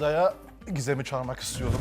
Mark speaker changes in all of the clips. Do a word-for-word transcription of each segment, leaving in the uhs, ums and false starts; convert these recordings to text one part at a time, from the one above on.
Speaker 1: odaya Gizem'i çağırmak istiyorum.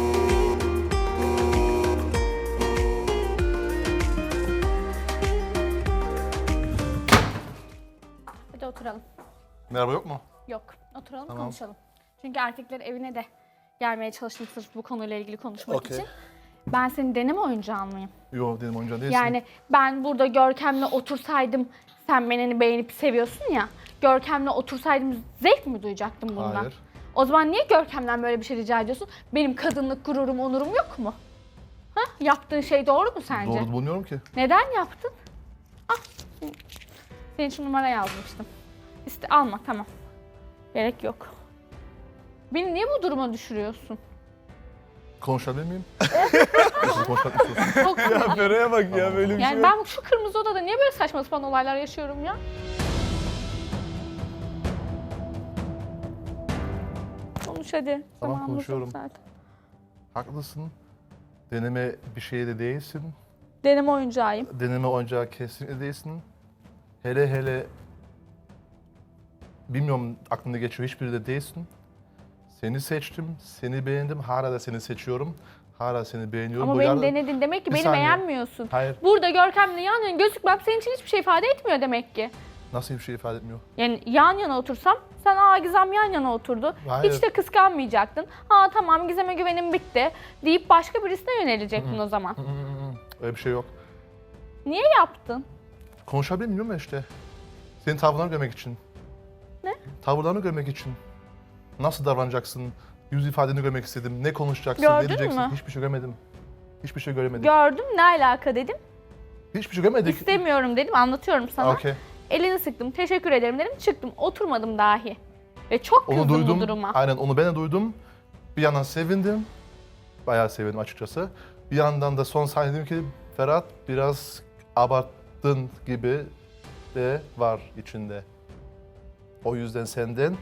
Speaker 2: Hadi oturalım.
Speaker 1: Merhaba yok mu?
Speaker 2: Yok, oturalım
Speaker 1: Tamam.
Speaker 2: konuşalım. Çünkü erkekler evine de gelmeye çalıştım sırf bu konuyla ilgili konuşmak
Speaker 1: Okey.
Speaker 2: için. Ben senin deneme oyuncağın mıyım?
Speaker 1: Yok dedim oyuncağı değilsin.
Speaker 2: Yani ben burada Görkem'le otursaydım, sen beni beğenip seviyorsun ya, Görkem'le otursaydım zevk mi duyacaktım bundan?
Speaker 1: Hayır.
Speaker 2: O zaman niye Görkem'den böyle bir şey rica ediyorsun? Benim kadınlık gururum, onurum yok mu? Ha? Yaptığın şey doğru mu sence?
Speaker 1: Doğru bulmuyorum ki.
Speaker 2: Neden yaptın? Al. Senin için numara yazmıştım. İşte alma, tamam. Gerek yok. Beni niye bu duruma düşürüyorsun?
Speaker 1: Konuşabilir miyim? Nasıl konuşmak istiyorsun?
Speaker 2: Çok
Speaker 3: Ya Ferah'a bak ya
Speaker 1: Tamam.
Speaker 3: böyle bir şey
Speaker 2: Yani
Speaker 3: yok.
Speaker 2: ben şu kırmızı odada niye böyle saçma sapan olaylar yaşıyorum ya? Konuş hadi.
Speaker 1: Tamam,
Speaker 2: Zamanımız yok
Speaker 1: konuşuyorum.
Speaker 2: zaten.
Speaker 1: Haklısın. Deneme bir şey de değilsin.
Speaker 2: Deneme oyuncağıyım.
Speaker 1: Deneme oyuncağı kesinlikle değilsin. Hele hele bilmiyorum aklımda geçiyor hiçbiri de değilsin. Seni seçtim, seni beğendim, hala da seni seçiyorum. Hala seni beğeniyorum.
Speaker 2: Ama
Speaker 1: Bu
Speaker 2: beni
Speaker 1: yarın-
Speaker 2: denedin demek ki
Speaker 1: Bir
Speaker 2: beni
Speaker 1: saniye.
Speaker 2: beğenmiyorsun.
Speaker 1: Hayır,
Speaker 2: Burada Görkem'le yan yana gözükmem senin için hiçbir şey ifade etmiyor demek ki.
Speaker 1: nasıl bir şey ifade etmiyor?
Speaker 2: Yani yan yana otursam, sen aa Gizem yan yana oturdu.
Speaker 1: Hayır.
Speaker 2: Hiç de kıskanmayacaktın. Ha tamam Gizem'e güvenim bitti deyip başka birisine yönelecektin o zaman.
Speaker 1: Öyle bir şey yok.
Speaker 2: Niye yaptın?
Speaker 1: Konuşabiliyor muyum işte? Senin tavırlarını görmek için.
Speaker 2: Ne?
Speaker 1: Tavırlarını görmek için. Nasıl davranacaksın? Yüz ifadeni görmek istedim. Ne konuşacaksın,
Speaker 2: Gördün
Speaker 1: ne diyeceksin?
Speaker 2: mü?
Speaker 1: Hiçbir şey görmedim. Hiçbir şey göremedik.
Speaker 2: Gördüm, ne alaka dedim.
Speaker 1: Hiçbir şey görmedik.
Speaker 2: İstemiyorum dedim, anlatıyorum sana.
Speaker 1: Okey.
Speaker 2: Elini sıktım, teşekkür ederim dedim, çıktım. Oturmadım dahi. Ve çok
Speaker 1: Onu
Speaker 2: kızdım
Speaker 1: duydum.
Speaker 2: bu duruma.
Speaker 1: Aynen onu ben de duydum. Bir yandan sevindim. Bayağı sevindim açıkçası. Bir yandan da son saniye dedim ki Ferhat biraz abarttın gibi de var içinde. O yüzden senden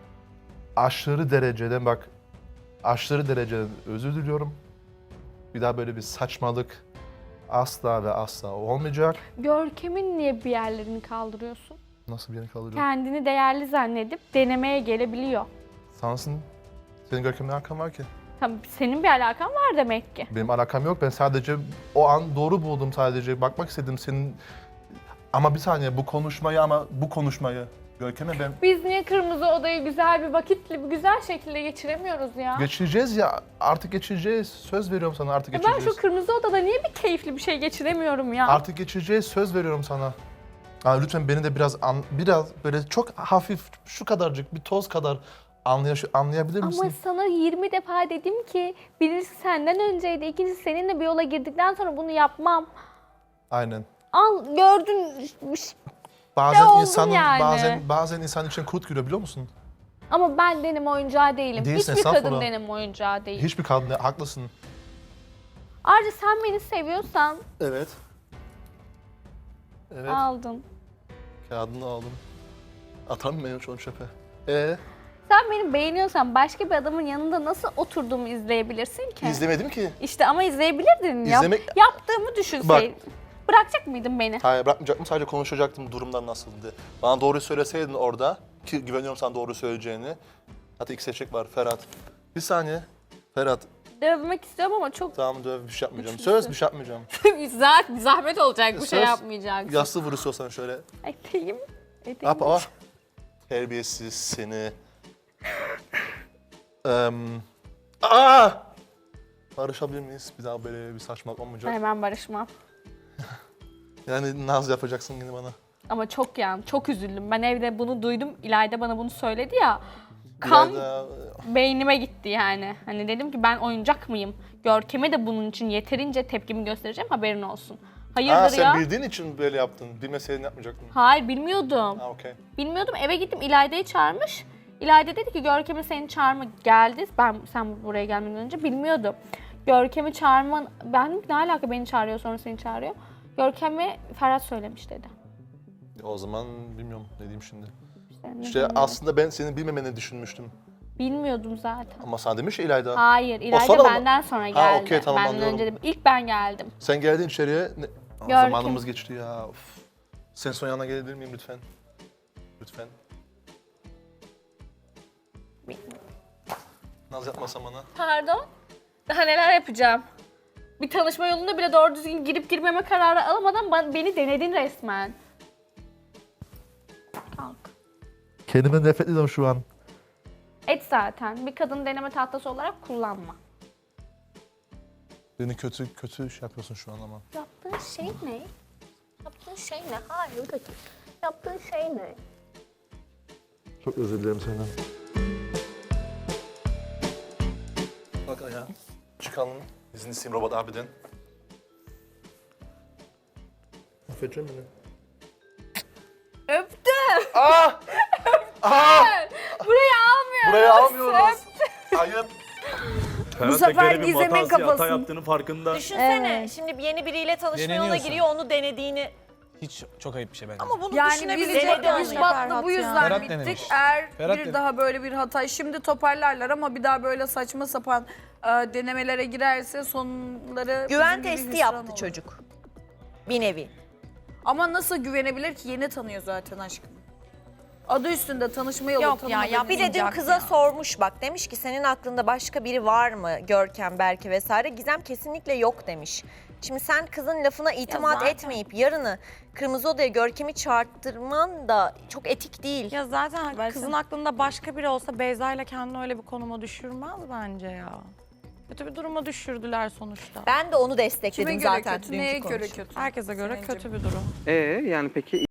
Speaker 1: aşırı dereceden bak aşırı dereceden özür diliyorum. Bir daha böyle bir saçmalık asla ve asla olmayacak.
Speaker 2: Görkem'in niye bir yerlerini kaldırıyorsun?
Speaker 1: Nasıl bir yere kalacak?
Speaker 2: Kendini değerli zannedip denemeye gelebiliyor.
Speaker 1: Sansın. Senin Görkem'le alakan var ki.
Speaker 2: Tabii senin bir alakan var demek ki.
Speaker 1: Benim alakam yok. Ben sadece o an doğru buldum sadece. Bakmak istedim senin... Ama bir saniye bu konuşmayı ama bu konuşmayı Görkem'e ben...
Speaker 2: Biz niye kırmızı odayı güzel bir vakitle, bir güzel şekilde geçiremiyoruz ya?
Speaker 1: Geçireceğiz ya. Artık geçireceğiz. Söz veriyorum sana artık
Speaker 2: Ya ben
Speaker 1: geçireceğiz.
Speaker 2: şu kırmızı odada niye bir keyifli bir şey geçiremiyorum ya?
Speaker 1: Artık geçireceğiz. Söz veriyorum sana. Aa, lütfen beni de biraz an, biraz böyle çok hafif şu kadarcık bir toz kadar anlay anlayabilir misin?
Speaker 2: Ama sana yirmi defa dedim ki birisi senden önceydi, ikincisi seninle bir yola girdikten sonra bunu yapmam.
Speaker 1: Aynen.
Speaker 2: Al gördün.
Speaker 1: Bazen
Speaker 2: oldun
Speaker 1: insanın
Speaker 2: yani.
Speaker 1: bazen bazen insan için kurt giriyor biliyor musun?
Speaker 2: Ama ben deneme oyuncağı değilim.
Speaker 1: Değilsin,
Speaker 2: Hiçbir kadın
Speaker 1: estağfurullah.
Speaker 2: deneme oyuncağı değil.
Speaker 1: Hiçbir kadın haklısın.
Speaker 2: Ayrıca sen beni seviyorsan
Speaker 1: Evet. Evet.
Speaker 2: aldın.
Speaker 1: Kağıdını aldım. Atar mı benim şu an çöpe? Ee,
Speaker 2: Sen beni beğeniyorsan başka bir adamın yanında nasıl oturduğumu izleyebilirsin ki?
Speaker 1: izlemedim ki.
Speaker 2: İşte ama izleyebilirdin. Yap-
Speaker 1: İzlemek-
Speaker 2: yaptığımı düşünseydin. Bırakacak mıydın beni?
Speaker 1: Hayır bırakmayacaktım sadece konuşacaktım durumdan nasıldı. Bana doğruyu söyleseydin orada ki güveniyorum sana doğru söyleyeceğini. Hatta iki seçenek var Ferhat. Bir saniye. Ferhat
Speaker 2: Dövmek istiyorum ama çok
Speaker 1: tamam döv bir şey yapmayacağım.
Speaker 2: Üçüncüsü.
Speaker 1: Söz bir şey yapmayacağım.
Speaker 2: zah- zahmet olacak bu şey
Speaker 1: Söz.
Speaker 2: yapmayacaksın.
Speaker 1: Yassı vur istiyorsan şöyle.
Speaker 2: Eteğim. Eteğim.
Speaker 1: Yap ama. Terbiyesiz seni. um, aa! Barışabilir miyiz? Bir daha böyle bir saçmalık olmayacak.
Speaker 2: Hemen barışmam.
Speaker 1: Yani naz yapacaksın yine bana.
Speaker 2: Ama çok yani çok üzüldüm. Ben evde bunu duydum. İlayda bana bunu söyledi ya. Kan
Speaker 1: Biraz
Speaker 2: beynime gitti yani. Hani dedim ki ben oyuncak mıyım? Görkem'e de bunun için yeterince tepkimi göstereceğim, haberin olsun. Hayırdır
Speaker 1: Aa, sen
Speaker 2: ya?
Speaker 1: bildiğin için böyle yaptın. Bilmeseydin yapmayacaktın.
Speaker 2: Hayır bilmiyordum.
Speaker 1: Ha okey.
Speaker 2: Bilmiyordum, eve gittim İlayda'yı çağırmış. İlayda dedi ki Görkem'e seni çağırma geldi. Ben sen buraya gelmeden önce bilmiyordum. Görkem'i çağırman, ben ne alaka beni çağırıyor sonra seni çağırıyor. Görkem'e Ferhat söylemiş dedi.
Speaker 1: O zaman bilmiyorum ne diyeyim şimdi.
Speaker 2: İşte, ne
Speaker 1: İşte
Speaker 2: bileyim.
Speaker 1: aslında ben senin bilmemeni düşünmüştüm.
Speaker 2: Bilmiyordum zaten.
Speaker 1: Ama sana demiş ya İlayda.
Speaker 2: Hayır, İlayda
Speaker 1: sonra mı?
Speaker 2: benden sonra geldi.
Speaker 1: Ha, okey, tamam,
Speaker 2: Benden
Speaker 1: anlıyorum.
Speaker 2: önce de, ilk ben geldim.
Speaker 1: Sen geldin içeriye. Ne? Aa,
Speaker 2: Görkem.
Speaker 1: zamanımız geçti ya. Of. Sen son yanına gelebilir miyim lütfen? Lütfen. Naz yapmasam bana.
Speaker 2: Pardon? Daha neler yapacağım? Bir tanışma yolunda bile doğru düzgün girip girmeme kararı alamadan ba- beni denedin resmen. Kalk.
Speaker 1: Kendime nefret ediyorum şu an.
Speaker 2: Et zaten. Bir kadın deneme tahtası olarak kullanma.
Speaker 1: Beni kötü kötü şey yapıyorsun şu an ama.
Speaker 2: Yaptığın şey ne? Yaptığın şey ne? Hayır kötü. Yaptığın şey ne?
Speaker 1: Çok özür dilerim senden. Bak ya. Çıkalım. İzin isteyeyim robot abiden. Affedecek beni.
Speaker 2: Öptüm.
Speaker 1: Ah! Ah!
Speaker 2: Burayı almıyoruz.
Speaker 1: Burayı almıyoruz. Ayıp.
Speaker 3: Bu
Speaker 4: sefer Gizem'in kafası yaptığının farkında.
Speaker 5: Düşünsene
Speaker 2: Evet.
Speaker 5: şimdi yeni biriyle tanışma yoluna
Speaker 3: Deneniyorsun.
Speaker 5: giriyor onu denediğini.
Speaker 3: Hiç çok ayıp bir şey bence.
Speaker 5: Ama bunu
Speaker 4: Yani biz
Speaker 5: düşünebilecek
Speaker 4: de
Speaker 5: yani.
Speaker 4: biz Bat'la bu yüzden
Speaker 3: Ferhat
Speaker 4: bittik.
Speaker 3: denemiş.
Speaker 4: Eğer
Speaker 3: Ferhat
Speaker 4: bir
Speaker 3: denemiş.
Speaker 4: daha böyle bir hata, şimdi toparlarlar ama bir daha böyle saçma sapan e, denemelere girerse sonları
Speaker 5: Güven
Speaker 4: bizim gibi
Speaker 5: testi
Speaker 4: hüsran
Speaker 5: yaptı
Speaker 4: olur.
Speaker 5: çocuk. Bir nevi.
Speaker 4: Ama nasıl güvenebilir ki? Yeni tanıyor zaten aşkım. Adı üstünde tanışma yolu
Speaker 6: Yok ya,
Speaker 4: tanımadığı
Speaker 6: yap-
Speaker 5: Bir de dün
Speaker 6: Yapmayacak
Speaker 5: kıza
Speaker 6: ya.
Speaker 5: sormuş bak demiş ki senin aklında başka biri var mı? Görkem, Berke vesaire. Gizem kesinlikle yok demiş. Şimdi sen kızın lafına itimat
Speaker 6: zaten-
Speaker 5: etmeyip yarını Kırmızı Oda'ya Görkem'i çağırttırman da çok etik değil.
Speaker 6: Ya zaten
Speaker 4: Versene.
Speaker 6: kızın aklında başka biri olsa Beyza ile kendini öyle bir konuma düşürmez bence ya. Kötü bir duruma düşürdüler sonuçta.
Speaker 5: Ben de onu destekledim
Speaker 4: Kime göre
Speaker 5: zaten
Speaker 4: kötü,
Speaker 5: dünkü
Speaker 4: neye göre
Speaker 5: konuşmada.
Speaker 4: kötü?
Speaker 6: Herkese göre
Speaker 4: Selin'cim.
Speaker 6: kötü bir durum.
Speaker 7: Ee yani peki